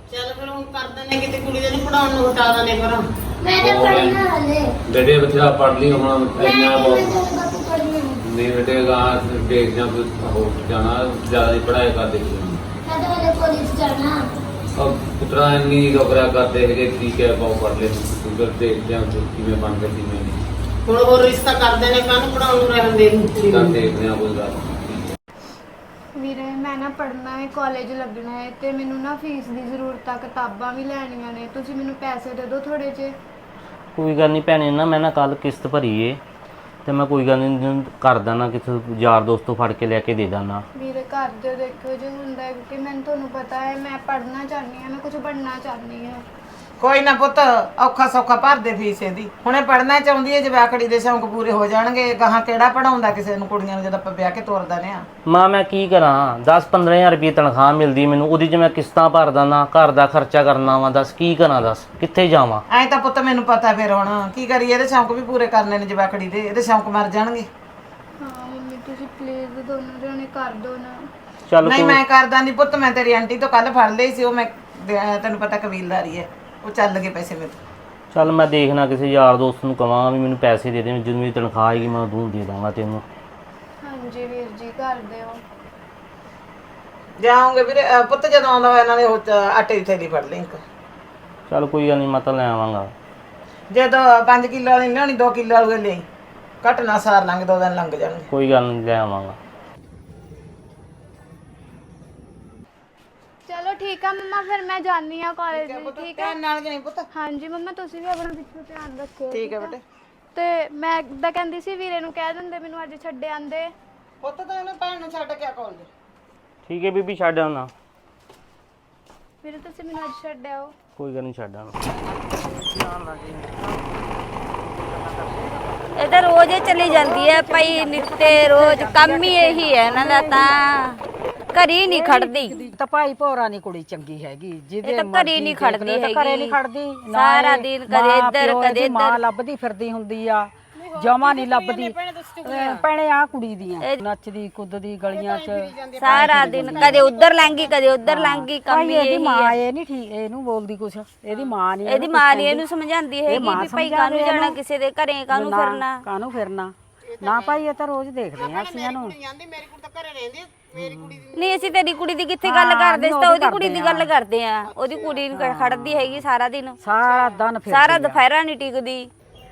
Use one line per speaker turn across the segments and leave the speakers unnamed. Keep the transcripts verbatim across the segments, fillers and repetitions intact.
ਚੱਲ ਫਿਰ ਹੁਣ ਕਰਦੇ ਨੇ ਕਿਤੇ ਕੁੜੀ ਦੇ ਨੂੰ ਪੜਾਉਣ ਨੂੰ ਹਟਾ ਦਾਂਗੇ ਪਰ
मैंने पढ़ना हले
बेटे बच्चा पढ़ ली हम इतना बहुत
बापू पढ़ना
नहीं बेटे गाँव देख जा हो जाना ज्यादा ही पढ़ाई कर देखी
मैं तो वाले कॉलेज जाना
अब पुत्रा नहीं डोकरा करते है ठीक है पाओ पढ़ ले उधर देखते हैं कि मैं बन गई मैं
ਹੁਣ ਹੋਰ ਰਿਸ਼ਤਾ ਕਰਦੇ ਨੇ ਕਾਹਨੂੰ ਪੜਾਉਣ ਨੂੰ ਰਹਿਣ ਦੇ
कर देखते हैं कोई गल
ਵੀਰੇ ਮੈਂ ਨਾ ਪੜ੍ਹਨਾ ਹੈ ਕਾਲਜ ਲੱਗਣਾ ਹੈ ਤੇ ਮੈਨੂੰ ਨਾ ਫੀਸ ਦੀ ਜ਼ਰੂਰਤ ਆ ਕਿਤਾਬਾਂ ਵੀ ਲੈਣੀਆਂ ਨੇ ਤੁਸੀਂ ਮੈਨੂੰ ਪੈਸੇ ਦੇ ਦਿਓ ਥੋੜੇ ਜਿਹੇ
ਕੋਈ ਗੱਲ ਨਹੀਂ ਭੈਣੇ ਨਾ ਮੈਂ ਨਾ ਕੱਲ ਕਿਸ਼ਤ ਭਰੀ ਏ ਤੇ ਮੈਂ ਕੋਈ ਗੱਲ ਨਹੀਂ ਕਰਦਾ ਨਾ ਕਿਸੇ ਯਾਰ ਦੋਸਤ ਤੋਂ ਫੜ ਕੇ ਲੈ ਕੇ ਦੇ ਦਾਂ।
ਵੀਰੇ ਘਰ ਦੇ ਦੇਖੋ ਜੇ ਹੁੰਦਾ ਹੈ ਕਿਉਂਕਿ ਮੈਨੂੰ ਤੁਹਾਨੂੰ ਪਤਾ ਹੈ ਮੈਂ ਪੜ੍ਹਨਾ ਚਾਹੁੰਦੀ ਹਾਂ ਮੈਂ ਕੁਝ ਬਣਨਾ ਚਾਹੁੰਦੀ ਹਾਂ।
ਕੋਈ ਨਾ ਪੁੱਤ ਔਖਾ ਸੌਖਾ ਭਰ ਦੇ ਫੀਸ ਇਹਦੀ ਹੁਣੇ ਪੜਨਾ ਚਾਹੁੰਦੀ ਹੈ ਜਵਾਕੜੀ ਦੇ ਸ਼ੌਂਕ ਪੂਰੇ ਹੋ ਜਾਣਗੇ ਗਾਹਾਂ ਕਿਹੜਾ ਪੜਾਉਂਦਾ ਕਿਸੇ ਨੂੰ ਕੁੜੀਆਂ ਨੂੰ ਜਦੋਂ ਆਪਾਂ ਵਿਆਹ ਕੇ ਤੋਰਦਾ ਨੇ ਆ
ਮਾਂ ਮੈਂ ਕੀ ਕਰਾਂ ਦਸ ਪੰਦਰਾਂ ਹਜ਼ਾਰ ਰੁਪਏ ਤਨਖਾਹ ਮਿਲਦੀ ਮੈਨੂੰ ਉਹਦੀ ਚ ਮੈਂ ਕਿਸ਼ਤਾਂ ਭਰਦਾ ਨਾ ਘਰ ਦਾ ਖਰਚਾ ਕਰਨਾ ਵਾ ਦੱਸ ਕੀ ਕਰਾਂ ਦੱਸ ਕਿੱਥੇ ਜਾਵਾਂ
ਐਂ ਤਾਂ ਪੁੱਤ ਮੈਨੂੰ ਪਤਾ ਫਿਰ ਹੁਣ ਕੀ ਕਰੀਏ ਇਹਦੇ ਸ਼ੌਂਕ ਵੀ ਪੂਰੇ ਕਰਨੇ ਨੇ ਜਵਾਕੜੀ ਦੇ ਇਹਦੇ ਸ਼ੌਂਕ ਮਰ ਜਾਣਗੇ।
ਹਾਂ ਮੰਮੀ ਤੁਸੀਂ ਪਲੀਜ਼ ਦੋਨੋਂ ਜਣੇ ਕਰ ਦਿਓ ਨਾ।
ਚੱਲ
ਨਹੀਂ ਮੈਂ ਕਰਦਾ ਨਹੀਂ ਪੁੱਤ ਮੈਂ ਤੇਰੀ ਆਂਟੀ ਤੋਂ ਕੱਲ ਫੜ ਲਈ ਸੀ ਉਹ ਮੈਂ ਤੈਨੂੰ ਪਤਾ ਕਬੀਲਦਾਰੀ ਹੈ ਉਹ ਚੱਲ ਗਏ ਪੈਸੇ ਮੇਰੇ ਤੋਂ।
ਚੱਲ ਮੈਂ ਦੇਖਣਾ ਕਿਸੇ ਯਾਰ ਦੋਸਤ ਨੂੰ ਕਵਾਂ ਵੀ ਮੈਨੂੰ ਪੈਸੇ ਦੇ ਦੇ ਜਦੋਂ ਮੇਰੀ ਤਨਖਾਹ ਆਏਗੀ ਮੈਂ ਉਦੋਂ ਦੇ ਦਾਂਗਾ ਤੈਨੂੰ।
ਹਾਂਜੀ ਵੀਰ ਜੀ ਕਰ ਦਿਓ।
ਜਾਓਗੇ ਵੀਰੇ ਅਹ ਪੁੱਤ ਜਦੋਂ ਆਉਂਦਾ ਹੋਇਆ ਨਾਲੇ ਉਹ ਚ ਆਟੇ ਦੀ ਥੈਲੀ ਫੜ ਲਈ ਇੱਕ।
ਚੱਲ ਕੋਈ ਗੱਲ ਨਹੀਂ ਮੈਂ ਤਾਂ ਲੈ ਆਵਾਂਗਾ।
ਜਦੋਂ ਪੰਜ ਕਿਲੋ ਵਾਲੀ ਲਿਆਉਣੀ ਦੋ ਕਿਲੋ ਵਾਲੀ ਲਈ ਘੱਟ ਨਾ ਸਾਰ ਲੰਘ ਦੋ ਦਿਨ ਲੰਘ ਜਾਣਗੇ।
ਕੋਈ ਗੱਲ ਨਹੀਂ ਲੈ ਆਵਾਂਗਾ।
ਚਲੋ ਠੀਕ ਆ ਮੰਮਾ ਫਿਰ ਮੈਂ ਜਾਣੀ ਆ ਕਾਲਜ ਠੀਕ ਹੈ
ਨਾਲ ਜਾਈ ਪੁੱਤ।
ਹਾਂਜੀ ਮੰਮਾ ਤੁਸੀਂ ਵੀ ਆਪਣਾ ਪਿੱਛੋਂ ਧਿਆਨ ਰੱਖਿਓ
ਠੀਕ ਹੈ ਬੇਟੇ।
ਤੇ ਮੈਂ ਤਾਂ ਕਹਿੰਦੀ ਸੀ ਵੀਰੇ ਨੂੰ ਕਹਿ ਦਿੰਦੇ ਮੈਨੂੰ ਅੱਜ ਛੱਡ ਆਂਦੇ।
ਪੁੱਤ ਤਾਂ ਉਹਨੇ ਭੈਣ ਨੂੰ ਛੱਡ ਕੇ ਆ ਕਾਲਜ।
ਠੀਕ ਹੈ ਬੀਬੀ ਛੱਡ ਆਉਣਾ।
ਵੀਰੇ ਤੁਸੀਂ ਮੈਨੂੰ ਅੱਜ ਛੱਡ ਆਓ।
ਕੋਈ ਗੱਲ ਨਹੀਂ ਛੱਡ ਆਉਣਾ।
ਇਹ ਤਾਂ ਰੋਜ਼ ਹੀ ਚਲੀ ਜਾਂਦੀ ਹੈ ਭਾਈ ਨਿੱਤੇ ਰੋਜ਼ ਕੰਮ ਹੀ ਇਹੀ ਹੈ ਇਹਨਾਂ ਦਾ ਤਾਂ ਘਰੀ ਨਹੀਂ ਖੜਦੀ
ਤਾਂ ਭਾਈ ਭੋਰਾ ਨਹੀਂ ਕੁੜੀ ਚੰਗੀ ਹੈਗੀ ਜਿਹਦੇ
ਇਹ ਤਾਂ ਘਰੇ ਨਹੀਂ ਖੜਦੀ ਹੈਗੀ
ਘਰੇ ਨਹੀਂ ਖੜਦੀ
ਸਾਰਾ ਦਿਨ ਕਦੇ ਇੱਧਰ ਕਦੇ
ਮਾਂ
ਇੱਧਰ
ਲੱਭਦੀ ਫਿਰਦੀ ਹੁੰਦੀ ਆ ਜਮਾ ਨਹੀਂ ਲੱਭਦੀ ਭੈਣੇ ਆ ਕੁੜੀ ਦੀਆਂ ਨੱਚਦੀ ਕੁੱਦਦੀ ਗਲੀਆਂ 'ਚ
ਸਾਰਾ ਦਿਨ ਕਦੇ ਉੱਧਰ ਲੰਗੀ ਕਦੇ ਉੱਧਰ ਲੰਗੀ ਕੰਮ
ਭਾਈ
ਹੀ
ਇਹਦੀ
ਇਹੀ
ਮਾਂ
ਹੈ
ਇਹ ਨਹੀਂ ਠੀਕ ਇਹਨੂੰ ਬੋਲਦੀ ਕੁਛ ਇਹਦੀ ਮਾਂ ਨਹੀਂ
ਇਹਦੀ ਮਾਂ ਨਹੀਂ ਇਹਨੂੰ ਸਮਝਾਉਂਦੀ ਹੈਗੀ ਵੀ ਭਾਈ ਕਾਹਨੂੰ ਜਾਣਾ ਕਿਸੇ ਦੇ ਘਰੇ ਕਾਹਨੂੰ ਫਿਰਨਾ
ਕਾਹਨੂੰ ਫਿਰਨਾ ਨਾ ਭਾਈ ਇਹ ਤਾਂ ਰੋਜ਼ ਦੇਖਦੇ ਆ ਅਸੀਂ ਇਹਨੂੰ
ਜਾਂਦੀ ਮੇਰੀ ਕੁੜੀ ਤਾਂ ਘਰੇ ਰਹਿੰਦੀ ਮੇਰੀ ਕੁੜੀ ਦੀ
ਨਹੀਂ ਅਸੀਂ ਤੇਰੀ ਕੁੜੀ ਦੀ ਕਿੱਥੇ ਗੱਲ ਕਰਦੇ ਸੀ ਤਾਂ ਉਹਦੀ ਕੁੜੀ ਦੀ ਗੱਲ ਕਰਦੇ ਆ ਉਹਦੀ ਕੁੜੀ ਨੂੰ ਖੜਦੀ ਹੈਗੀ ਸਾਰਾ ਦਿਨ
ਸਾਰਾ ਦਿਨ ਫਿਰ
ਸਾਰਾ ਦੁਪਹਿਰਾ ਨਹੀਂ ਟਿਕਦੀ।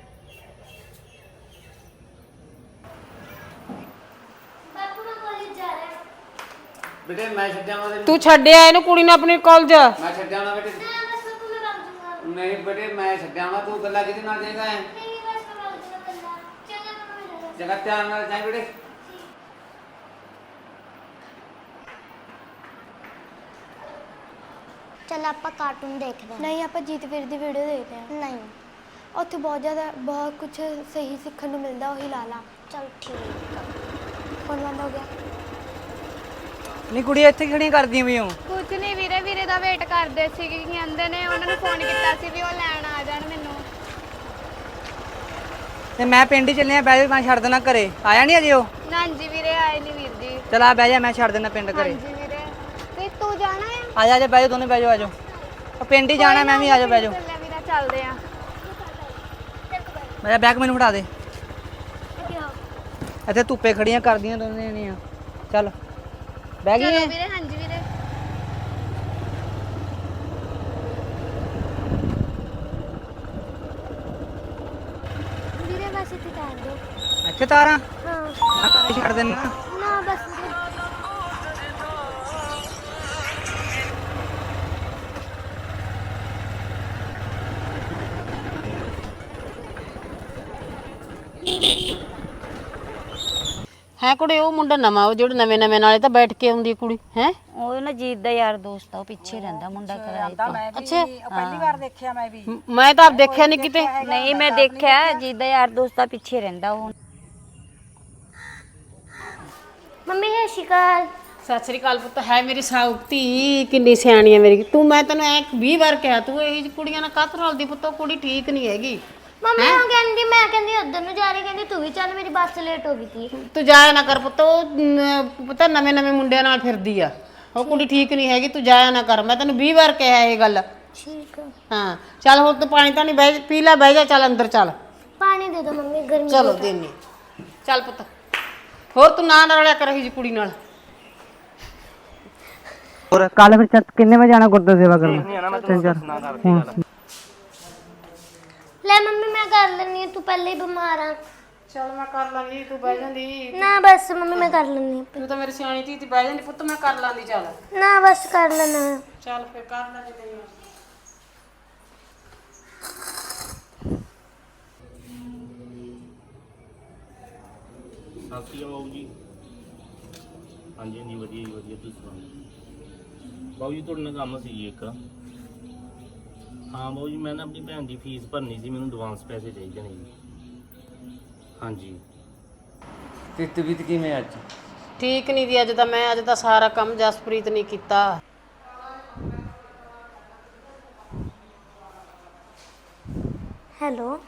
बेटे मैं छड़ जावा
ਤੂੰ ਛੱਡਿਆ ਇਹਨੂੰ ਕੁੜੀ ਨੂੰ ਆਪਣੀ ਕਾਲਜ।
मैं छड़ जाना बेटे नहीं बेटे मैं छड़ जावा तू गल्ला किदे नाल जाएगा है जगह ध्यान नाल जाए बेटे।
चल ਆਪਾਂ ਕਾਰਟੂਨ ਦੇਖਦੇ ਹਾਂ।
ਨਹੀਂ ਆਪਾਂ ਜੀਤ ਵੀਰ ਦੀ ਵੀਡੀਓ ਦੇਖਦੇ ਹਾਂ।
ਨਹੀਂ
ਉੱਥੇ ਬਹੁਤ ਜ਼ਿਆਦਾ ਬਹੁਤ ਕੁਝ ਸਹੀ ਸਿੱਖਣ ਨੂੰ ਮਿਲਦਾ ਉਹੀ ਲਾ ਲਾ।
ਚਲ ਠੀਕ ਆ।
ਫੋਨ ਬੰਦ ਹੋ ਗਿਆ।
ਨਹੀਂ ਕੁੜੀ ਇੱਥੇ ਖੜੀਆਂ ਕਰਦੀਆਂ ਵੀ ਹੋ
ਕੁਝ ਨਹੀਂ ਵੀਰੇ ਵੀਰੇ ਦਾ ਵੇਟ ਕਰਦੇ ਸੀ ਕਿ ਕਹਿੰਦੇ ਨੇ ਉਹਨਾਂ ਨੂੰ ਫੋਨ ਕੀਤਾ ਸੀ ਵੀ ਉਹ ਲੈਣ ਆ ਜਾਣ ਮੈਨੂੰ।
ਤੇ ਮੈਂ ਪਿੰਡ ਹੀ ਚੱਲਿਆ ਬਹਿ ਜਾ ਮੈਂ ਛੱਡ ਦੇਣਾ ਘਰੇ ਆਇਆ ਨਹੀਂ ਅਜੇ ਉਹ
ਹਾਂਜੀ ਵੀਰੇ ਆਏ ਨਹੀਂ ਵੀਰ ਜੀ।
ਚਲ ਆ ਬਹਿ ਜਾ ਮੈਂ ਛੱਡ ਦੇਣਾ ਪਿੰਡ ਘਰੇ
ਹਾਂਜੀ ਵੀਰੇ ਤੇ ਤੂੰ ਜਾਣਾ ਹੈ?
ਆ ਜਾ ਆ ਜਾ ਬਹਿ ਜਾ ਦੋਨੇ ਬਹਿ ਜਾ ਆ ਜਾਓ ਉਹ ਪਿੰਡ ਹੀ ਜਾਣਾ ਮੈਂ ਵੀ ਆ ਜਾ ਬਹਿ ਜਾ
ਚੱਲਿਆ ਵੀਰਾ ਚੱਲਦੇ ਆ।
ਮੇਰਾ ਬੈਗ ਮੈਨੂੰ ਫੜਾ ਦੇ ਇੱਥੇ ਧੁੱਪੇ ਖੜੀਆਂ ਕਰਦੀਆਂ ਦੋਨੇ ਜਣੀਆਂ ਚੱਲ ਬਹਿ ਗਈ
ਚਲੋ
ਹੈ
ਵੀਰੇ ਹਾਂਜੀ ਵੀਰੇ। ਵੀਰੇ ਬਸ ਇੱਥੇ ਕਰ ਦੋ।
ਇੱਥੇ ਤਾਰਾਂ
ਹਾਂ
ਮੈਂ ਘਰੇ ਛੱਡ ਦੇਣਾ
ਨਾ ਬਸ
ਹੈ ਕੁੜੇ ਉਹ ਮੁੰਡਾ ਨਵਾਂ ਉਹ ਜਿਹੜਾ ਨਵੇਂ ਨਵੇਂ ਨਾਲੇ ਤਾਂ ਬੈਠ ਕੇ ਆਉਂਦੀ ਕੁੜੀ ਹੈ।
ਉਹ ਨਾ ਜੀਤ ਦਾ ਯਾਰ ਦੋਸਤ ਆ ਉਹ ਪਿੱਛੇ ਰਹਿੰਦਾ ਮੁੰਡਾ ਕਿਰਾਏ ਤੇ।
ਅੱਛਾ
ਪਹਿਲੀ ਵਾਰ ਦੇਖਿਆ ਮੈਂ ਵੀ
ਮੈਂ ਤਾਂ ਆਪ ਦੇਖਿਆ ਨਹੀਂ ਕਿਤੇ।
ਨਹੀਂ ਮੈਂ ਦੇਖਿਆ ਜੀਤ ਦਾ ਯਾਰ ਦੋਸਤ ਆ ਪਿੱਛੇ ਰਹਿੰਦਾ ਉਹ।
ਮੰਮੀ ਹੈ ਸ਼ਿਕਾਰ
ਸਤਿ ਸ੍ਰੀ ਅਕਾਲ ਪੁੱਤ ਹੈ ਮੇਰੀ ਸਾਉਤੀ ਕਿੰਨੀ ਸਿਆਣੀ ਹੈ ਮੇਰੀ ਤੂੰ ਮੈਂ ਤੈਨੂੰ ਐ ਵੀਹ ਵਾਰ ਕਿਹਾ ਤੂੰ ਇਹ ਜਿਹੀ ਕੁੜੀਆਂ ਨਾਲ ਕਾਹਤੋਂ ਰਲਦੀ ਪੁੱਤ ਉਹ ਕੁੜੀ ਠੀਕ ਨਹੀਂ ਹੈਗੀ।
ਮੰਮੀ ਉਹ ਕਹਿੰਦੀ ਮੈਂ ਕਹਿੰਦੀ ਉਧਰ ਨੂੰ ਜਾ ਰਹੀ ਕਹਿੰਦੀ ਤੂੰ ਵੀ ਚੱਲ ਮੇਰੀ ਬੱਸ ਲੇਟ ਹੋ ਗਈ ਸੀ।
ਤੂੰ ਜਾਇਆ ਨਾ ਕਰ ਪੁੱਤ ਉਹ ਨ- ਪਤਾ ਨਵੇਂ ਨਵੇਂ ਮੁੰਡਿਆਂ ਨਾਲ ਫਿਰਦੀ ਆ
ਉਹ ਕੁੜੀ ਠੀਕ ਨਹੀਂ ਹੈਗੀ, ਤੂੰ ਜਾਇਆ ਨਾ ਕਰ, ਮੈਂ ਤੈਨੂੰ ਵੀਹ ਵਾਰ ਕਿਹਾ ਇਹ ਗੱਲ।
ਠੀਕ ਆ।
ਹਾਂ ਚੱਲ ਹੁਣ ਤੂੰ ਪਾਣੀ ਤਾਂ ਨਹੀਂ ਬਹਿ ਪੀ ਲੈ, ਬਹਿ ਜਾ, ਚੱਲ ਅੰਦਰ ਚੱਲ।
ਪਾਣੀ ਦੇ ਦੋ ਮੰਮੀ, ਗਰਮੀ
ਚਲੋ
ਬਹੁਤ ਆ।
ਦੇਨੀ ਚੱਲ ਪੁੱਤ। ਹੋਰ ਤੂੰ ਨਾ ਰਲਿਆ ਕਰ ਇਹੀ ਜੀ ਕੁੜੀ ਨਾਲ।
ਹੋਰ ਕੱਲ ਫਿਰ ਚੱਲ ਕਿੰਨੇ ਵਜੇ ਜਾਣਾ ਗੁਰਦੁਆਰਾ ਸੇਵਾ ਕਰਨ?
ਲੈ ਮੰਮੀ ਮੈਂ ਕਰ ਲੈਣੀ ਆ, ਤੂੰ ਪਹਿਲੇ ਹੀ ਬਿਮਾਰ ਆ।
ਚੱਲ ਮੈਂ ਕਰ ਲਾਂਗੀ, ਤੂੰ ਬਹਿ ਜਾਂਦੀ।
ਨਾ ਬਸ ਮੰਮੀ ਮੈਂ ਕਰ ਲੈਣੀ ਆ।
ਤੂੰ ਤਾਂ ਮੇਰੀ ਸਿਆਣੀ ਧੀ ਤੀ, ਬਹਿ ਜਾਂਦੀ ਪੁੱਤ, ਮੈਂ ਕਰ ਲਾਂਗੀ। ਚੱਲ
ਨਾ ਬਸ ਕਰ ਲੈਣਾ।
ਚੱਲ ਫਿਰ ਕਰ ਲਾਂਗੇ ਤੈਨੂੰ।
ਸਤਿ ਸ਼੍ਰੀ ਅਕਾਲ ਬਾਬੂ ਜੀ। ਹਾਂਜੀ ਹਾਂਜੀ ਵਧੀਆ ਜੀ ਵਧੀਆ, ਤੁਸੀਂ ਸੁਣਾਓ। ਬਾਬੂ ਜੀ ਤੁਹਾਡੇ ਨਾਲ ਕੰਮ ਸੀ ਜੀ ਇੱਕ। ਹਾਂ ਬਾਬੂ ਜੀ, ਮੈਂ ਨਾ ਆਪਣੀ ਭੈਣ ਦੀ ਫੀਸ ਭਰਨੀ ਸੀ, ਮੈਨੂੰ ਐਡਵਾਂਸ ਪੈਸੇ ਚਾਹੀਦੇ ਨੇ ਜੀ। ਹਾਂਜੀ
ਤੇ ਤਬੀਅਤ ਕਿਵੇਂ ਅੱਜ?
ਠੀਕ ਨਹੀਂ ਦੀ ਅੱਜ ਤਾਂ ਮੈਂ, ਅੱਜ ਤਾਂ ਸਾਰਾ ਕੰਮ ਜਸਪ੍ਰੀਤ ਨੇ ਕੀਤਾ।
ਹੈਲੋ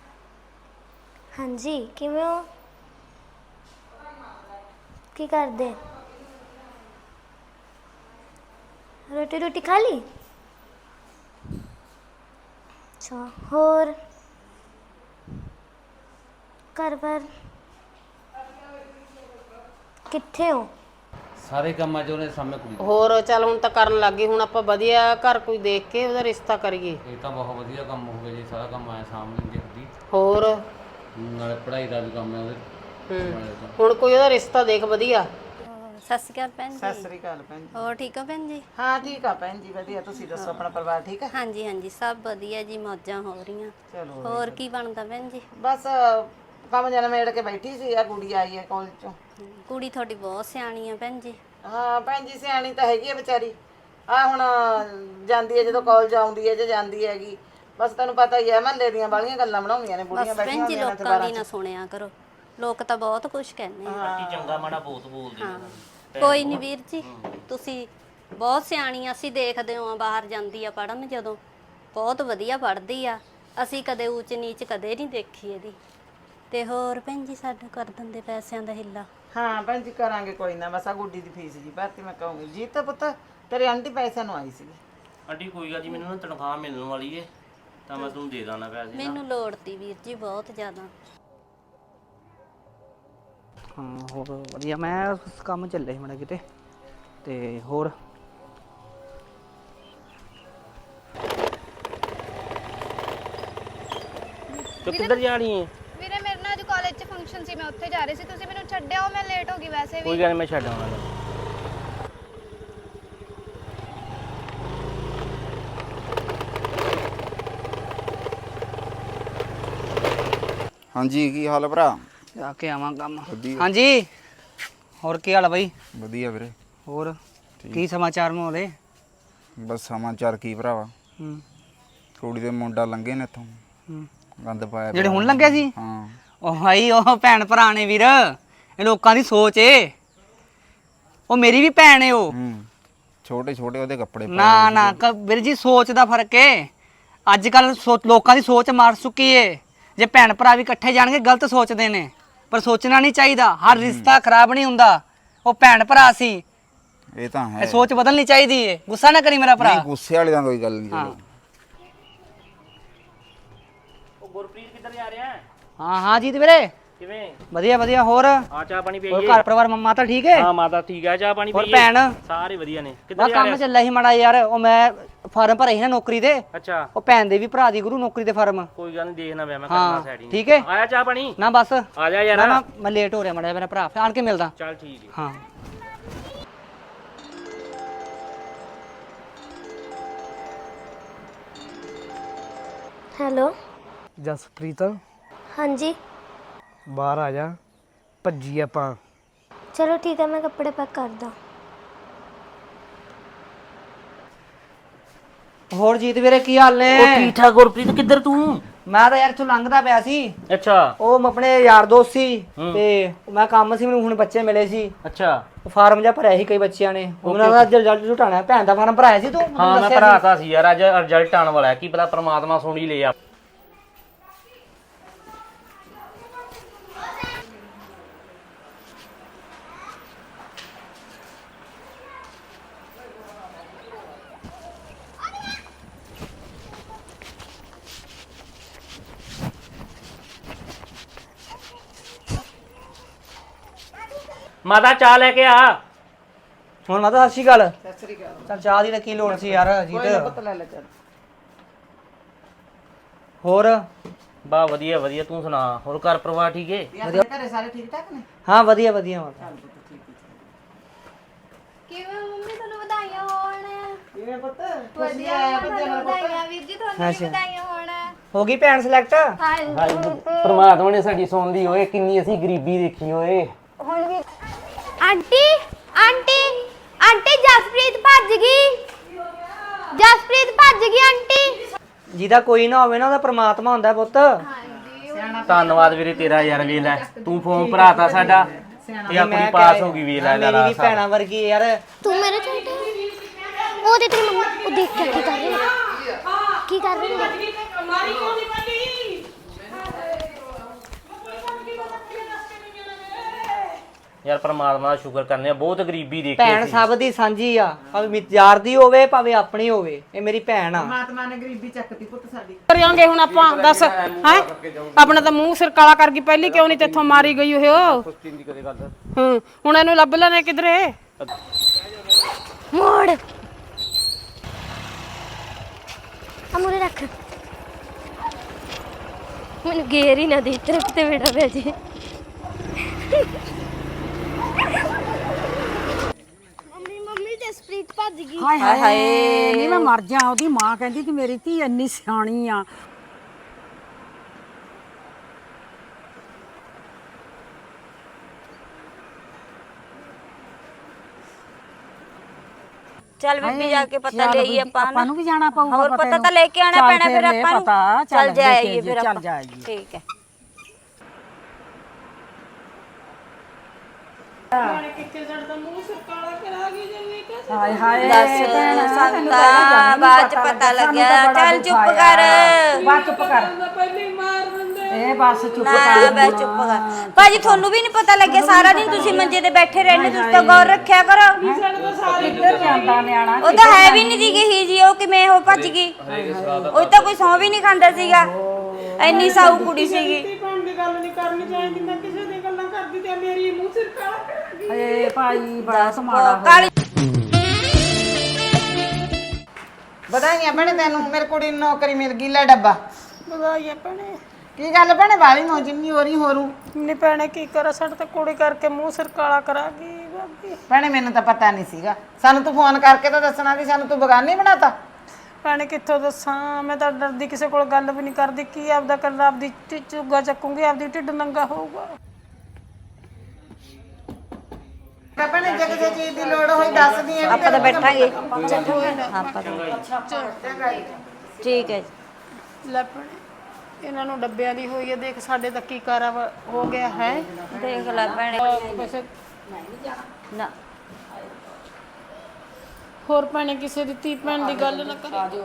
ਹਾਂਜੀ, ਕਿਵੇਂ ਹੋ? ਕੀ ਕਰਦੇ? ਰੋਟੀ ਰੋਟੀ ਖਾ ਲਈ? ਅੱਛਾ, ਹੋਰ ਘਰ ਪਰ ਕਿੱਥੇ ਹੋ?
ਸਾਰੇ ਕੰਮਾਂ 'ਚ ਉਹਨੇ ਸਾਹਮਣੇ ਕੁੜੀ।
ਹੋਰ ਚੱਲ ਹੁਣ ਤਾਂ ਕਰਨ ਲੱਗੇ, ਹੁਣ ਆਪਾਂ ਵਧੀਆ ਘਰ ਕੋਈ ਦੇਖ ਕੇ ਉਹਦਾ ਰਿਸ਼ਤਾ ਕਰੀਏ।
ਇਹ ਤਾਂ ਬਹੁਤ ਵਧੀਆ ਕੰਮ ਹੋ ਗਿਆ ਜੀ, ਸਾਰਾ ਕੰਮ ਆਇਆ ਸਾਹਮਣੇ ਦੇਖਦੀ।
ਹੋਰ
ਨਾਲੇ ਪੜ੍ਹਾਈ ਦਾ ਵੀ ਕੰਮ ਹੈ ਉਹਦੇ।
ਹੂੰ ਹੁਣ ਕੋਈ ਉਹਦਾ ਰਿਸ਼ਤਾ ਦੇਖ ਵਧੀਆ।
ਸਤਿ ਸ਼੍ਰੀ ਅਕਾਲ ਭੈਣ ਜੀ।
ਸਤਿ ਸ੍ਰੀ ਅਕਾਲ ਭੈਣ ਜੀ।
ਹੋਰ ਠੀਕ ਹੋ ਭੈਣ ਜੀ?
ਹਾਂ ਠੀਕ ਆ ਭੈਣ ਜੀ, ਵਧੀਆ। ਤੁਸੀਂ ਦੱਸੋ, ਆਪਣਾ ਪਰਿਵਾਰ ਠੀਕ ਹੈ?
ਹਾਂਜੀ ਹਾਂਜੀ ਸਭ ਵਧੀਆ ਜੀ, ਮੌਜਾਂ ਹੋ ਰਹੀਆਂ।
ਚਲੋ
ਹੋਰ ਕੀ ਬਣਦਾ ਭੈਣ ਜੀ?
ਬਸ ਕੰਮ ਜਨ ਮੇੜ ਕੇ ਬੈਠੀ ਸੀ, ਆ ਕੁੜੀ ਆਈ ਹੈ ਕਾਲਜ ਚੋਂ।
ਕੁੜੀ ਤੁਹਾਡੀ ਬਹੁਤ ਸਿਆਣੀ ਆ ਭੈਣ ਜੀ।
ਹਾਂ ਭੈਣ ਜੀ ਸਿਆਣੀ ਤਾਂ ਹੈਗੀ ਹੈ ਵਿਚਾਰੀ। ਆ ਹੁਣ ਜਾਂਦੀ ਹੈ, ਜਦੋਂ ਕਾਲਜ ਆਉਂਦੀ ਹੈ ਜੇ ਜਾਂਦੀ ਹੈਗੀ, ਬਸ ਤੈਨੂੰ ਪਤਾ ਹੀ ਹੈ, ਮਹੱਲੇ ਦੀਆਂ ਬਾਲੀਆਂ ਗੱਲਾਂ ਬਣਾਉਂਦੀਆਂ ਨੇ ਬੁੜੀਆਂ
ਬਸ
ਬੈਠੀਆਂ
ਭੈਣ ਜੀ
ਹੁੰਦੀਆਂ ਨੇ
ਲੋਕਾਂ
ਅਖਬਾਰਾਂ
ਦੀ ਨਾ
'ਚ।
ਸੁਣਿਆ ਕਰੋ, ਲੋਕ ਤਾਂ ਬਹੁਤ ਕੁਝ ਕਹਿੰਦੇ ਆ।
ਆਂਟੀ ਚੰਗਾ ਮਾੜਾ ਬਹੁਤ ਬੋਲਦੀ
ਹਾਂ ਕੋਈ ਨਹੀਂ ਵੀਰ ਜੀ, ਤੁਸੀਂ ਬਹੁਤ ਸਿਆਣੀ ਆ। ਅਸੀਂ ਦੇਖਦੇ ਹਾਂ ਬਾਹਰ ਜਾਂਦੀ ਆ ਪੜਨ, ਜਦੋਂ ਬਹੁਤ ਵਧੀਆ ਪੜਦੀ ਆ। ਅਸੀਂ ਕਦੇ ਊਚ ਨੀਚ ਕਦੇ ਨਹੀਂ ਦੇਖੀ ਇਹਦੀ। ਤੇ ਹੋਰ ਭੈਣ ਜੀ ਸਾਡਾ ਕਰ ਦਿੰਦੇ ਪੈਸਿਆਂ ਦਾ ਹਿੱਲਾ?
ਹਾਂ ਭੈਣ ਜੀ ਕਰਾਂਗੇ, ਕੋਈ ਨਾ। ਬਸ ਆ ਗੁੱਡੀ ਦੀ ਫੀਸ ਜੀ ਭਰਤੀ ਮੈਂ ਕਹੂੰਗੀ। ਜੀਤ ਪੁੱਤ ਤੇਰੇ ਆਂਟੀ ਪੈਸਿਆਂ ਨੂੰ ਆਈ ਸੀਗੀ।
ਆਂਟੀ ਕੋਈ ਗੱਲ ਜੀ, ਮੈਨੂੰ ਨਾ ਤਨਖਾਹ ਮਿਲਣ ਵਾਲੀ ਏ, ਤਾਂ ਮੈਂ ਤੁਹਾਨੂੰ ਦੇ ਦਾਂ ਪੈਸੇ।
ਮੈਨੂੰ ਲੋੜ ਤੀ ਵੀਰ ਜੀ ਬਹੁਤ ਜ਼ਿਆਦਾ।
ਹਾਂ ਹੋਰ ਵਧੀਆ, ਮੈਂ ਕੰਮ ਚੱਲੇ ਸੀ ਮਾੜਾ ਕਿਤੇ। ਤੇ ਹੋਰ
ਤੂੰ ਕਿੱਧਰ ਜਾ ਰਹੀ ਹੈ?
ਵੀਰੇ ਮੇਰੇ ਨਾਲ ਅੱਜ ਕਾਲਜ 'ਚ ਫੰਕਸ਼ਨ ਸੀ, ਮੈਂ ਉੱਥੇ ਜਾ ਰਹੀ ਸੀ। ਤੁਸੀਂ ਮੈਨੂੰ ਛੱਡਿਓ, ਮੈਂ ਲੇਟ ਹੋ ਗਈ ਵੈਸੇ ਵੀ।
ਕੋਈ ਗੱਲ ਨੀ, ਮੈਂ ਛੱਡ ਆਉਣਾ।
ਹਾਂਜੀ ਕੀ ਹਾਲ ਹੈ ਭਰਾ?
ਜਾ ਕੇ ਆਵਾਂ ਕੰਮ।
ਵਧੀਆ।
ਹਾਂਜੀ ਹੋਰ ਕੀ ਹਾਲ ਆ ਬਾਈ?
ਵਧੀਆ ਵੀਰੇ।
ਹੋਰ ਕੀ ਸਮਾਚਾਰ ਮੋਲੇ?
ਬਸ ਸਮਾਚਾਰ ਕੀ ਭਰਾਵਾ,
ਹੂੰ
ਕੁੜੀ ਦੇ ਮੁੰਡਾ ਲੰਘੇ ਨੇ ਇੱਥੋਂ,
ਹੂੰ
ਗੰਦ ਪਾਇਆ
ਜਿਹੜੇ
ਪਿਆ।
ਹੁਣ ਲੰਘਿਆ ਸੀ?
ਹਾਂ
ਉਹ ਭਾਈ ਉਹ ਭੈਣ ਭਰਾ ਨੇ ਵੀਰ, ਇਹ ਲੋਕਾਂ ਦੀ ਸੋਚ ਏ। ਉਹ ਮੇਰੀ ਵੀ ਭੈਣ ਏ ਉਹ।
ਹੂੰ ਛੋਟੇ ਛੋਟੇ ਉਹਦੇ ਕੱਪੜੇ ਪਾਏ
ਨਾ
ਹੋਏ
ਨਾ ਕ- ਵੀਰ ਜੀ ਸੋਚ ਦਾ ਫਰਕ ਏ। ਅੱਜ ਕੱਲ ਲੋਕਾਂ ਦੀ ਸੋਚ ਮਾਰ ਚੁੱਕੀ ਏ। ਜੇ ਭੈਣ ਭਰਾ ਵੀ ਇਕੱਠੇ ਜਾਣਗੇ ਗਲਤ ਸੋਚਦੇ ਨੇ, ਪਰ ਸੋਚਣਾ ਨਹੀਂ ਚਾਹੀਦਾ। ਹਰ ਰਿਸ਼ਤਾ ਖਰਾਬ ਨਹੀਂ ਹੁੰਦਾ। ਉਹ ਭੈਣ ਭਰਾ ਸੀ,
ਸੀ। ਇਹ ਤਾਂ ਹੈ।
ਇਹ ਸੋਚ ਬਦਲਣੀ ਚਾਹੀਦੀ ਏ। ਗੁੱਸਾ ਨਾ ਕਰੀ ਮੇਰਾ ਭਰਾ।
ਨਹੀਂ ਗੁੱਸੇ ਵਾਲੀ ਤਾਂ ਕੋਈ ਗੱਲ ਨਹੀਂ।
ਹਾਂ
ਚਲੋ
ਉਹ ਗੁਰਪ੍ਰੀਤ ਕਿੱਧਰ ਜਾ ਰਿਹਾ?
ਹਾਂ ਹਾਂ ਜੀਤ ਵੀਰੇ
ਕਿਵੇਂ?
ਵਧੀਆ ਵਧੀਆ। ਹੋਰ
ਆ ਚਾਹ ਪਾਣੀ ਪੀਈਏ?
ਹੋਰ ਘਰ ਪਰਿਵਾਰ ਮੰਮਾ ਤਾਂ ਠੀਕ ਹੈ?
ਹਾਂ ਮਾਤਾ ਠੀਕ ਆ, ਚਾਹ ਪਾਣੀ
ਹੋਰ
ਪੀਈਏ?
ਭੈਣ?
ਸਾਰੇ ਵਧੀਆ ਨੇ। ਕਿੱਧਰ
ਬਸ
ਜਾ
ਕੰਮ
ਰਿਹਾ?
ਚੱਲਿਆ ਸੀ ਮਾੜਾ ਯਾਰ। ਉਹ ਮੈਂ ਫਾਰਮ ਭਰੇ ਸੀ ਨਾ ਨੌਕਰੀ ਦੇ।
ਅੱਛਾ
ਉਹ ਭੈਣ ਦੇ ਵੀ ਭਰਾ ਦੀ ਗੁਰੂ ਨੌਕਰੀ ਦੇ ਫਾਰਮ।
ਕੋਈ ਗੱਲ ਨਹੀਂ, ਦੇਖਣਾ ਪਿਆ ਮੈਂ ਕਰਨਾ
ਹਾਂ
ਸੈਟਿੰਗ।
ਠੀਕ ਹੈ।
ਆਇਆ ਚਾਹ ਪਾਣੀ?
ਨਾ ਬਸ
ਆ ਜਾ ਯਾਰ।
ਨਾ ਨਾ ਮੈਂ ਲੇਟ ਹੋ ਰਿਹਾ ਮਾੜਾ ਜਿਹਾ, ਮੇਰਾ ਭਰਾ ਫਿਰ ਆਣ ਕੇ ਮਿਲਦਾ।
ਚੱਲ ਠੀਕ ਹੈ।
ਹਾਂ
ਹੈਲੋ
ਜਸਪ੍ਰੀਤ
ਹਾਂਜੀ
ਬਾਹਰ ਆ ਜਾ, ਭੱਜੀ ਆਪਾਂ।
ਚਲੋ ਠੀਕ ਹੈ, ਮੈਂ ਕੱਪੜੇ ਪੈਕ ਕਰਦਾ।
ਹੋਰ ਜੀਤ ਵੀਰੇ ਕੀ ਹਾਲ ਨੇ?
ਉਹ ਠੀਕ ਠਾਕ। ਗੁਰਪ੍ਰੀਤ ਕਿੱਧਰ ਤੂੰ?
ਮੈਂ ਤਾਂ ਯਾਰ ਇੱਥੋਂ ਲੰਘਦਾ ਪਿਆ ਸੀ।
ਅੱਛਾ
ਉਹ ਆਪਣੇ ਯਾਰ ਦੋਸਤ ਸੀ ਤੇ ਮੈਂ ਕੰਮ ਸੀ, ਮੈਨੂੰ ਹੁਣ ਬੱਚੇ ਮਿਲੇ ਸੀ।
ਅੱਛਾ
ਉਹ ਫਾਰਮ ਜਿਹਾ ਭਰਿਆ ਸੀ ਕਈ ਬੱਚਿਆਂ ਨੇ, ਉਹਨਾਂ ਦਾ ਰਿਜ਼ਲਟ ਝੁਟਾਣਾ। ਭੈਣ ਦਾ ਫਾਰਮ ਭਰਾਇਆ ਸੀ ਤੂੰ?
ਹਾਂ ਮੈਂ ਭਰਾਤਾ ਸੀ ਯਾਰ, ਅੱਜ ਰਿਜ਼ਲਟ ਆਉਣ ਵਾਲਾ ਹੈ, ਕੀ ਪਤਾ ਪ੍ਰਮਾਤਮਾ ਸੁਣ ਹੀ ਲਿਆ। ਮਾਤਾ ਚਾਹ ਲੈ ਕੇ ਆ।
ਹੁਣ ਮਾਤਾ ਸਤਿ ਸ਼੍ਰੀ ਅਕਾਲ।
ਸਤਿ ਸ੍ਰੀ ਅਕਾਲ।
ਚੱਲ ਚਾਹ ਦੀ ਤਾਂ ਕੀ ਲੋੜ ਸੀ ਯਾਰ
ਕੋਈ ਨਾ
ਜੀਤ।
ਪੁੱਤ ਲੈ ਲੈ ਚੱਲ।
ਹੋਰ
ਬਾ ਵਧੀਆ ਵਧੀਆ, ਤੂੰ ਸੁਣਾ, ਹੋਰ ਘਰ ਪਰਿਵਾਰ ਠੀਕ ਏ?
ਆਪਣੇ ਘਰੇ ਸਾਰੇ ਠੀਕ ਠਾਕ ਨੇ?
ਹਾਂ ਵਧੀਆ ਵਧੀਆ ਮਾਤਾ।
ਕਿਵੇਂ ਮੰਮੀ ਤੁਹਾਨੂੰ ਵਧਾਈਆਂ ਹੋਣ
ਕਿਵੇਂ ਪੁੱਤ?
ਵਧੀਆ ਤੁਹਾਨੂੰ ਵਧਾਈਆਂ ਵੀਰ ਜੀ ਤੁਹਾਨੂੰ ਵੀ ਵਧਾਈਆਂ ਹੋਣ
ਹੋ ਗਈ ਭੈਣ ਸਿਲੈਕਟ?
ਪਰਮਾਤਮਾ ਨੇ ਸਾਡੀ ਸੁਣ ਲਈ ਓਏ, ਕਿੰਨੀ ਅਸੀਂ ਗਰੀਬੀ ਦੇਖੀ ਓਏ।
ਹੁਣ ਵੀ
ਆਂਟੀ ਆਂਟੀ ਆਂਟੀ ਜਸਪ੍ਰੀਤ ਭੱਜ ਗਈ ਜਸਪ੍ਰੀਤ ਭੱਜ ਗਈ ਆਂਟੀ।
ਜਿਹਦਾ ਕੋਈ ਨਾ ਹੋਵੇ ਨਾ ਉਹਦਾ ਪ੍ਰਮਾਤਮਾ ਹੁੰਦਾ ਪੁੱਤ।
ਧੰਨਵਾਦ ਵੀਰੇ ਤੇਰਾ ਯਾਰ, ਵੇਖ ਲੈ ਤੂੰ ਫੋਨ ਭਰਾਤਾ ਸਾਡਾ, ਇਹ ਆਪਣੀ ਪਾਸ ਹੋ ਗਈ ਵੇਖ ਲੈ।
ਮੇਰੀ ਵੀ ਭੈਣਾਂ ਵਰਗੀ ਯਾਰ।
ਤੂੰ ਮੇਰੇ ਛੋਟੇ ਉਹ ਤੇ ਤੇਰੀ ਮੰਮਾ ਉਹ ਦੇਖ ਕੇ ਕੀ ਕਰ ਰਹੀ ਹੈ ਕੀ ਕਰ ਰਹੀ ਹੈ
ਯਾਰ ਪਰਮਾਤਮਾ ਦਾ ਸ਼ੁਕਰ ਕਰਨੇ ਆ, ਬਹੁਤ ਗਰੀਬੀ ਦੇਖੀ
ਭੈਣ
ਅਸੀਂ।
ਸਭ ਦੀ ਸਾਂਝੀ ਆ, ਭਾਵੇਂ ਯਾਰ ਦੀ ਹੋਵੇ ਭਾਵੇਂ ਆਪਣੀ ਹੋਵੇ, ਇਹ ਮੇਰੀ ਭੈਣ ਆ।
ਪਰਮਾਤਮਾ ਨੇ ਗਰੀਬੀ ਚੱਕਤੀ ਪੁੱਤ ਸਾਡੀ।
ਕਰਾਂਗੇ ਹੁਣ ਆਪਾਂ ਦੱਸ ਹੈ ਆਪਣਾ ਤਾਂ ਮੂੰਹ ਸਿਰ ਕਾਲਾ ਕਰ ਗਈ ਪਹਿਲੀ, ਕਿਉਂ ਨਹੀਂ ਤੇਥੋਂ ਮਾਰੀ ਗਈ ਉਹ? ਹੂੰ ਹੁਣ ਇਹਨੂੰ ਲੱਭ ਲੈਣੇ ਕਿਧਰੇ।
ਮੋੜ ਅਮੂਰੇ ਰੱਖ ਮੈਨੂੰ ਗੇਰ ਹੀ ਨਾ ਦੇ ਤੇਰੇ ਤੇ ਬੇੜਾ ਪੈ ਜੇ। ਮੰਮੀ ਮੰਮੀ ਜਸਪ੍ਰੀਤ ਭੱਜ ਗਈ।
ਹਾਏ ਹਾਏ ਨਹੀਂ ਮੈਂ ਮਰ ਜਾ। ਉਹਦੀ ਮਾਂ ਕਹਿੰਦੀ ਕਿ ਮੇਰੀ ਧੀ ਇੰਨੀ ਸਿਆਣੀ ਆ।
ਚੱਲ ਬੀਬੀ ਜਾ ਕੇ ਪਤਾ ਲੈ ਆਈਏ ਆਪਾਂ
ਆਪਾਂ ਨੂੰ ਵੀ ਜਾਣਾ ਪਊਗਾ।
ਹੋਰ ਪਤਾ ਤਾਂ ਲੈ ਕੇ ਆਣਾ ਪੈਣਾ ਫਿਰ ਆਪਾਂ ਨੂੰ।
ਪਤਾ
ਚੱਲ ਜਾਈਏ ਫਿਰ ਆਪਾਂ।
ਚੱਲ ਜਾਈਏ।
ਠੀਕ ਹੈ।
ਹਾਏ ਹਾਏ
ਦੱਸ ਸੰਤਾ ਬਾਅਦ ਚ ਪਤਾ ਲੱਗਿਆ। ਚੱਲ ਚੁੱਪ ਕਰ।
ਬਸ ਚੁੱਪ ਕਰ। ਇਹ ਬਸ ਚੁੱਪ
ਨਾ
ਕਰ।
ਬੈ ਚੁੱਪ ਕਰ। ਭਾਜੀ ਤੁਹਾਨੂੰ ਵੀ ਨਹੀਂ ਪਤਾ ਲੱਗਿਆ? ਸਾਰਾ ਦਿਨ ਤੁਸੀਂ ਮੰਜੇ ਤੇ ਬੈਠੇ ਰਹਿੰਦੇ, ਤੁਸੀਂ ਤਾਂ ਗੌਰ ਰੱਖਿਆ ਕਰੋ।
ਕਿੱਧਰ ਜਾਂਦਾ ਨਿਆਣਾ?
ਉਹ ਤਾਂ ਹੈ ਵੀ ਨਹੀਂ ਦੀ ਗਈ ਜੀ, ਉਹ ਕਿਵੇਂ ਉਹ ਭੱਜ ਗਈ? ਉਹ ਤਾਂ ਕੋਈ ਸੌਂ ਵੀ ਨਹੀਂ ਖਾਂਦਾ ਸੀਗਾ, ਇੰਨੀ ਸਾਊ ਕੁੜੀ ਸੀਗੀ।
ਏ ਭਾਈ ਬੜਾ ਮਾੜਾ ਹੋਇਆ।
ਕਾਲੀ
ਵਧਾਈਆਂ ਭੈਣੇ ਤੈਨੂੰ, ਮੇਰੀ ਕੁੜੀ ਨੂੰ ਨੌਕਰੀ ਮਿਲ ਗਈ। ਲੈ ਡੱਬਾ।
ਵਧਾਈਆਂ ਭੈਣੇ।
ਕੀ ਗੱਲ ਭੈਣੇ ਵਾਲੀ ਨੂੰ ਜਿੰਨੀ ਹੋਰੀ ਹੋਰੂ?
ਨਹੀਂ ਭੈਣੇ ਕੀ ਕਰਾਂ, ਸਾਡੇ ਤਾਂ ਕੁੜੀ ਕਰਕੇ ਮੂੰਹ ਸਿਰ ਕਾਲਾ ਕਰਾ ਗਈ ਬਾਬੀ।
ਭੈਣੇ ਮੈਨੂੰ ਤਾਂ ਪਤਾ ਨਹੀਂ ਸੀਗਾ, ਸਾਨੂੰ ਤੂੰ ਫੋਨ ਕਰਕੇ ਤਾਂ ਦੱਸਣਾ ਸੀ, ਸਾਨੂੰ ਤੂੰ ਬਗਾਨੀ ਬਣਾਤਾ।
ਭੈਣੇ ਕਿੱਥੋਂ ਦੱਸਾਂ, ਮੈਂ ਤਾਂ ਡਰਦੀ ਕਿਸੇ ਕੋਲ ਗੱਲ ਵੀ ਨਹੀਂ ਕਰਦੀ। ਕੀ ਆਪਦਾ ਕਰ ਆਪਦੀ ਝੁੱਗਾ ਚੱਕੂਗੀ, ਆਪਦੀ ਢਿੱਡ ਨੰਗਾ ਹੋਊਗਾ।
ਭੈਣੇ ਜੇ ਕਿਸੇ ਚੀਜ਼ ਦੀ ਲੋੜ ਹੋਈ ਦੱਸਦੀ ਐ।
ਆਪਾਂ ਤਾਂ ਬੈਠਾਂਗੇ ਆਪਾਂ ਤਾਂ ਠੀਕ ਹੈ ਜੀ।
ਲੈ ਭੈਣੇ ਇਹਨਾਂ ਨੂੰ ਡੱਬਿਆਂ ਦੀ ਹੋਈ ਹੈ, ਦੇਖ ਸਾਡੇ ਤਾਂ ਕੀ ਕਾਰਾ ਹੋ ਗਿਆ ਹੈ।
ਦੇਖ ਲੈ ਭੈਣੇ।
ਵੈਸੇ
ਨਾ
ਹੋਰ ਭੈਣੇ ਕਿਸੇ ਦੀ ਧੀ ਭੈਣ ਦੀ ਗੱਲ ਨਾ ਕਰੀ।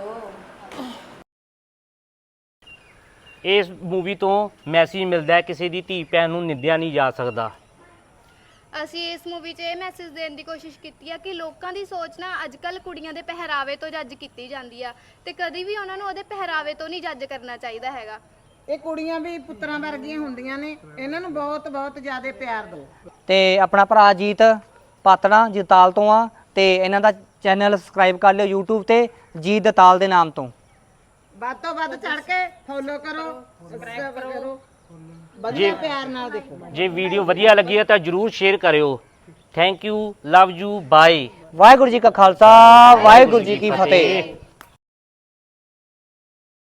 ਇਸ ਮੂਵੀ ਤੋਂ ਮੈਸੇਜ ਮਿਲਦਾ ਹੈ, ਕਿਸੇ ਦੀ ਧੀ ਭੈਣ ਨੂੰ ਨਿੰਦਿਆ ਨਹੀਂ ਜਾ ਸਕਦਾ।
ਅਸੀਂ ਇਸ ਮੂਵੀ 'ਚ ਇਹ ਮੈਸੇਜ ਦੇਣ ਦੀ ਕੋਸ਼ਿਸ਼ ਕੀਤੀ ਆ ਕਿ ਲੋਕਾਂ ਦੀ ਸੋਚ ਨਾ ਅੱਜ ਕੱਲ ਕੁੜੀਆਂ ਦੇ ਪਹਿਰਾਵੇ ਤੋਂ ਜੱਜ ਕੀਤੀ ਜਾਂਦੀ ਆ, ਤੇ ਕਦੀ ਵੀ ਉਹਨਾਂ ਨੂੰ ਉਹਦੇ ਪਹਿਰਾਵੇ ਤੋਂ ਨਹੀਂ ਜੱਜ ਕਰਨਾ ਚਾਹੀਦਾ ਹੈਗਾ।
ਇਹ ਕੁੜੀਆਂ ਵੀ ਪੁੱਤਰਾਂ ਵਰਗੀਆਂ ਹੁੰਦੀਆਂ ਨੇ, ਇਹਨਾਂ ਨੂੰ ਬਹੁਤ ਬਹੁਤ ਜ਼ਿਆਦਾ ਪਿਆਰ ਦਿਓ।
ਤੇ ਆਪਣਾ ਭਰਾ ਜੀਤ ਪਾਤੜਾ ਜਤਾਲ ਤੋਂ ਆ, ਤੇ ਇਹਨਾਂ ਦਾ ਚੈਨਲ ਸਬਸਕ੍ਰਾਈਬ ਕਰ ਲਿਓ YouTube ਤੇ, ਜੀਤ ਦਤਾਲ ਦੇ ਨਾਮ ਤੋਂ।
ਵੱਧ ਤੋਂ ਵੱਧ ਚੜ ਕੇ ਫੋਲੋ ਕਰੋ, ਸਬਸਕ੍ਰਾਈਬ ਕਰੋ, ਵਧੀਆ ਪਿਆਰ ਨਾਲ ਦੇਖੋ।
ਜੇ ਵੀਡੀਓ ਵਧੀਆ ਲੱਗੀ ਹੈ ਤਾਂ ਜਰੂਰ ਸ਼ੇਅਰ ਕਰਿਓ। Thank you, love you, bye.
Waheguru ji ਕਾ ਖਾਲਸਾ, ਵਾਹਿਗੁਰੂ ਜੀ ਕੀ ਫਤਿਹ।